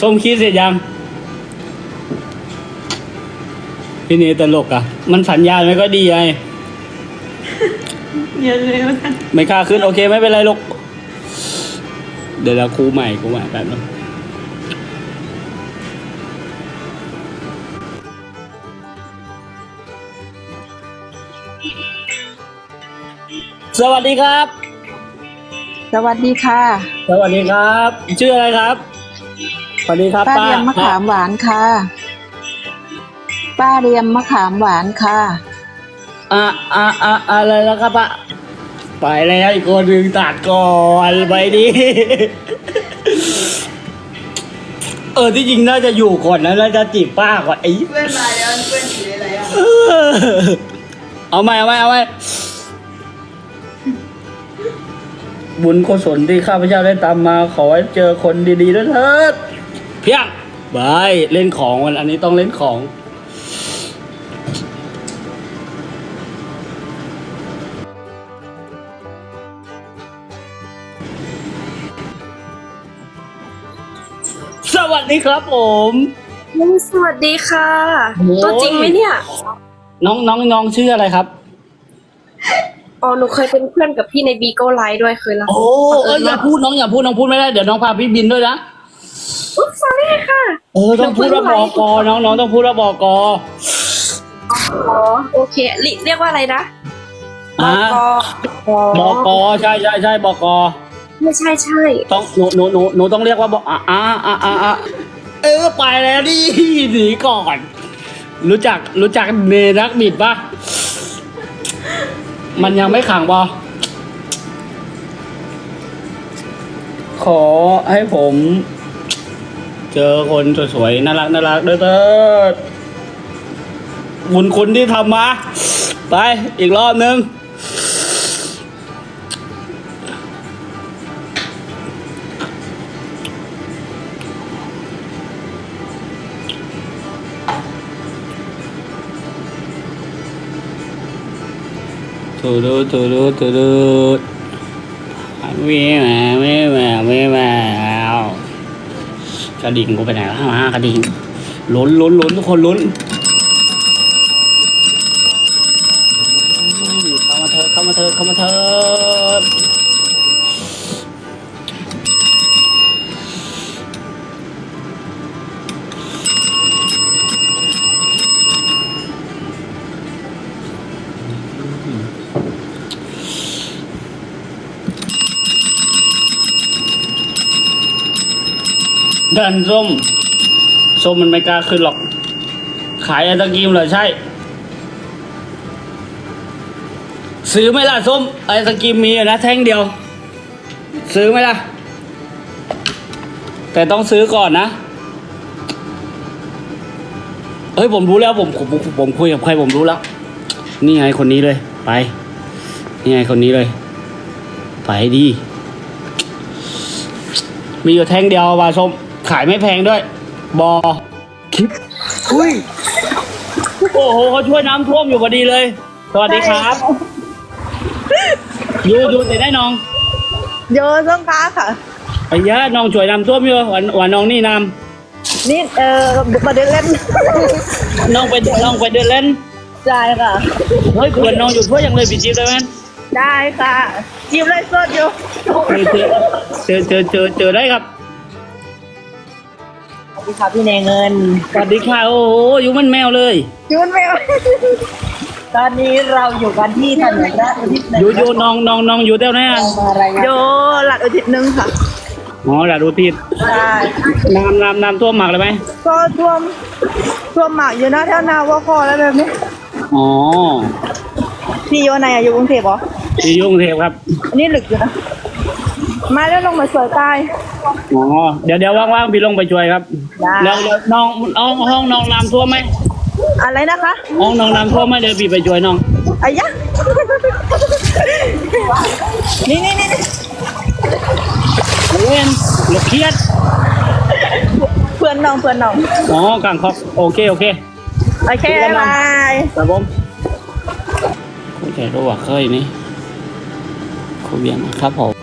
ส้มคิดเสร็จยังพี่เนตลกอ่ะมันสัญญาณไม่ก็ดีไงเยอะเลยว่าไม่กล้าขึ้นโอเคไม่เป็นไรลูกเดี๋ยวเราครูใหม่แป๊บนึงสวัสดีครับสวัสดีค่ะสวัสดีครับชื่ออะไรครับสวัสดีครับป้าป้าเรียมมะขามหวานค่ะ ป้าเรียมมะขามหวานค่ะอะไรแล้วครับป้าไปแล้วอีกคนหนึ่งตัดก่อนไปดิที่จริงน่าจะอยู่ก่อนนะน่าจะจีบป้าก่อนไอ้เพื่อนมาแล้วเพื่อนสีอะไรอ่ะเอาไหมบุญกุศลที่ข้าพเจ้าได้ตามมาขอให้เจอคนดีๆด้วยเถิดเพียงบายเล่นของวันอันนี้ต้องเล่นของสวัสดีครับผมสวัสดีค่ะตัวจริงไหมเนี่ยน้องชื่ออะไรครับอ๋อหนูเคยเป็นเพื่อนกับพี่ในบีโก้ไลท์ด้วยเคยละโอ้อย่าพูดน้องพูดไม่ได้เดี๋ยวน้องพาพี่บินด้วยนะอุ๊บ sorry ค่ะต้องพูดว่าบอกน้องต้องพูดว่าบอกอ๋อโอเคเรียกว่าอะไรนะบอกใช่บอกไม่ใช่ต้องหนูต้องเรียกว่าบอกไปแล้วดิหนีก่อนรู้จักเนรักบิดปะมันยังไม่ขังปะขอให้ผมเจอคนสวยๆน่ารักเด้อบุญคุณที่ทำมาไปอีกรอบนึงตูดูไม่มากระดิ่งกูไปไหนแล้วกระดิ่งลุ้นทุกคนลุ้นเข้ามาเถอะดันส้มมันไม่กล้าขึ้นหรอกขายไอศกรีมเหรอใช่ซื้อไหมล่ะส้มไอศกรีมมีนะแท่งเดียวซื้อไหมล่ะแต่ต้องซื้อก่อนนะผมรู้แล้วผมคุยกับใครผมรู้แล้วนี่ไงคนนี้เลยไปนี่ไงคนนี้เลยไปดีมีอยู่แท่งเดียวว่าส้มขายไม่แพงด้วยคลิปอุ้ยโอ้โหเขาช่วยน้ำท่วมอยู่พอดีเลยสวัสดีครับอยู่แต่ได้น้องโยส้มค้าค่ะไอ้ยะน้องช่วยน้ำท่วมอยู่วันน้องนี่น้ำนี่มาเดินเล่นน้องไปเดินเล่นได้ค่ะเฮ้ยควรน้องอยู่ทั่วยังเลยปีจีบได้ไหมได้ค่ะจิ้มเลยสดอยู่เจอได้ครับสวัสดีค่ะพี่เนเงินสวัสดีค่ะโอ้โหอยู่มันแมวเลยยุ่นแมวตอนนี้เราอยู่กันที่ถนนราชอุทิศอยู่น้องอยู่เท่าไหร่โยหลัดอุทิศนึงค่ะหลัดอุทิศใช่น้ำท่วมหมักเลยไหมก็ท่วมหมากอยู่นะแถวนาวัวคอแล้วแบบนี้พี่โยไหนอยู่กรุงเทพเหรอพี่ยุ่งเทพครับอันนี้หลึกอยู่นะมาแล้วลงมาสวยตายเดี๋ยวว่างๆพี่ลงไปช่วยครับแล้วน้องห้องน้องน้ำท่วมไหมอะไรนะคะห้องน้องน้ำท่วมไหมเดี๋ยวพี่ไปช่วยน้องอายะนี่เว้นหลบเครียดเพื่อนน้องกลางคอกโอเคบายครับผมโอเครู้ว่าเคยนี่คุยเบียงครับผม